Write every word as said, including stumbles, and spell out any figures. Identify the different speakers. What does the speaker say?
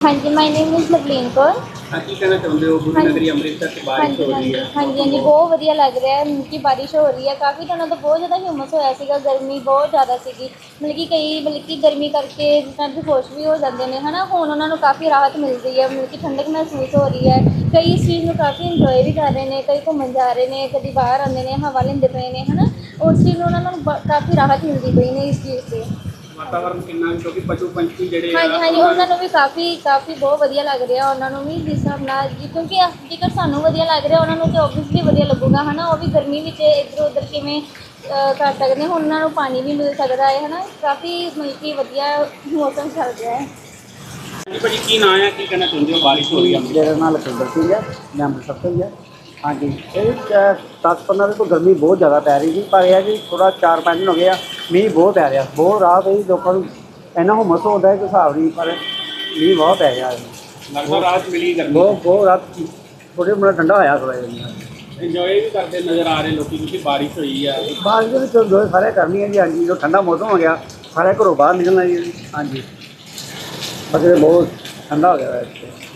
Speaker 1: हाँ जी, my name is Lovleen Kaur.
Speaker 2: हाँ, की कहना चाਹੁंदे हो गुरु नगरी अमृतसर से
Speaker 1: हाँ
Speaker 2: बारिश
Speaker 1: जी,
Speaker 2: हो
Speaker 1: हाँ
Speaker 2: रही
Speaker 1: जी,
Speaker 2: है।
Speaker 1: हाँ जी, हाँ जी, बहुत ਵਧੀਆ ਲੱਗ ਰਿਹਾ ਹੈ ਕਿ ਬਾਰਿਸ਼ ਹੋ ਰਹੀ ਹੈ। ਕਾਫੀ ਦਿਨਾਂ ਤੋਂ ਬਹੁਤ ਜ਼ਿਆਦਾ ਹਿਊਮਸ ਹੋਇਆ ਸੀਗਾ, ਗਰਮੀ ਬਹੁਤ ਜ਼ਿਆਦਾ ਸੀਗੀ। ਮਤਲਬ ਕਿ ਕਈ ਮਤਲਬ ਕਿ ਗਰਮੀ ਕਰਕੇ ਜਿਸ ਤਰ੍ਹਾਂ ਬੇਹੋਸ਼ ਵੀ ਹੋ ਜਾਂਦੇ ਨੇ ਹੈ ਨਾ, ਹੁਣ ਉਹਨਾਂ ਨੂੰ ਕਾਫੀ ਰਾਹਤ ਮਿਲ ਰਹੀ ਹੈ, ਮਤਲਬ ਕਿ ਠੰਡਕ ਮਹਿਸੂਸ ਹੋ ਰਹੀ ਹੈ। ਕਈ ਇਸ ਚੀਜ਼ ਨੂੰ ਕਾਫੀ ਇੰਜੋਏ ਵੀ ਕਰ ਰਹੇ ਨੇ, ਕਈ ਘੁੰਮਣ ਜਾ ਰਹੇ ਨੇ, ਕਦੀ ਬਾਹਰ ਆਉਂਦੇ ਨੇ, ਹਵਾ ਲੈਂਦੇ ਪਏ ਨੇ ਹੈ ਨਾ। ਉਸ ਚੀਜ਼ ਨੂੰ ਉਹਨਾਂ ਨੂੰ ਬ- ਕਾਫੀ ਰਾਹਤ ਮਿਲਦੀ ਪਈ ਨੇ ਇਸ ਚੀਜ਼ 'ਤੇ।
Speaker 2: ਵਾਤਾਵਰਨ ਕਿੰਨਾ ਕਿਉਂਕਿ ਪਸ਼ੂ ਪੰਛੀ ਜਿਹੜੇ
Speaker 1: ਹਾਂਜੀ
Speaker 2: ਆ
Speaker 1: ਹਾਂਜੀ, ਉਹਨਾਂ ਨੂੰ ਵੀ ਕਾਫੀ ਕਾਫੀ ਬਹੁਤ ਵਧੀਆ ਲੱਗ ਰਿਹਾ ਉਹਨਾਂ ਨੂੰ ਵੀ, ਜਿਸ ਹਿਸਾਬ ਨਾਲ ਜੀ, ਕਿਉਂਕਿ ਅ- ਜੇਕਰ ਸਾਨੂੰ ਵਧੀਆ ਲੱਗ ਰਿਹਾ ਉਹਨਾਂ ਨੂੰ ਤਾਂ ਓਬਵੀਅਸਲੀ ਵਧੀਆ ਲੱਗੂਗਾ ਹੈ ਨਾ। ਉਹ ਵੀ ਗਰਮੀ ਵਿੱਚ ਇੱਧਰ ਉੱਧਰ ਕਿਵੇਂ ਅ, ਕਰ ਸਕਦੇ ਹੁਣ ਉਹਨਾਂ ਨੂੰ ਪਾਣੀ ਵੀ ਮਿਲ ਸਕਦਾ ਹੈ ਹੈ ਨਾ। ਕਾਫੀ ਮਤਲਬ ਕਿ ਵਧੀਆ ਮੌਸਮ ਚੱਲ ਰਿਹਾ ਹੈ।
Speaker 2: ਹਾਂਜੀ ਭਾਜੀ, ਕੀ ਨਾਂ ਆ, ਕੀ ਕਹਿਣਾ ਚਾਹੁੰਦੇ ਹੋ ਬਾਰਿਸ਼ ਹੋ ਰਹੀ ਹੈ ਅੰਮ੍ਰਿਤਸਰ।
Speaker 3: ਮੇਰਾ ਨਾਮ ਲਖਵਿੰਦਰ ਸਿੰਘ ਹੈ, ਮੈਂ ਅੰਮ੍ਰਿਤਸਰ ਤੋਂ ਹੀ ਹਾਂ। ਹਾਂਜੀ, ਇਹ ਦਸ ਪੰਦਰਾਂ ਦਿਨ ਤੋਂ ਗਰਮੀ ਬਹੁਤ ਜ਼ਿਆਦਾ ਪੈ ਰਹੀ ਸੀ, ਪਰ ਇਹ ਹੈ ਕਿ ਥੋੜ੍ਹਾ ਚਾਰ ਪੰਜ ਦਿਨ ਹੋ ਗਏ ਆ ਮੀਂਹ ਬਹੁਤ ਪੈ ਰਿਹਾ, ਬਹੁਤ ਰਾਹਤ ਹੋਈ ਲੋਕਾਂ ਨੂੰ। ਇੰਨਾ ਹੁਮਸ ਹੁੰਦਾ ਹੈ ਕਿ ਹਿਸਾਬ ਨਹੀਂ, ਪਰ ਮੀਂਹ ਬਹੁਤ ਪੈ ਰਿਹਾ ਹੈ।
Speaker 2: ਲੱਗਦਾ ਰਾਹਤ ਮਿਲੀ ਗਰਮੀ
Speaker 3: ਬਹੁਤ ਬਹੁਤ ਰਾਤ ਥੋੜ੍ਹੇ ਮੁੰਡਾ ਠੰਡਾ ਹੋਇਆ ਥੋੜ੍ਹਾ ਜਿਹਾ।
Speaker 2: ਇੰਜੋਏ ਵੀ ਕਰਦੇ ਨਜ਼ਰ ਆ ਰਹੇ ਲੋਕੀ ਕਿਉਂਕਿ ਬਾਰਿਸ਼ ਹੋਈ ਆ।
Speaker 3: ਬਾਅਦ ਦੇ ਵਿੱਚ ਜੋ ਸਾਰੇ ਕਰਨੀ ਹੈ ਜੀ। ਹਾਂਜੀ, ਜੋ ਠੰਡਾ ਮੌਸਮ ਹੋ ਗਿਆ ਸਾਰੇ ਘਰੋਂ ਬਾਹਰ ਨਿਕਲਣਾ ਜੀ। ਹਾਂਜੀ, ਬਸ ਇਹ ਬਹੁਤ ਠੰਡਾ ਹੋ ਗਿਆ ਹੈ ਇੱਥੇ।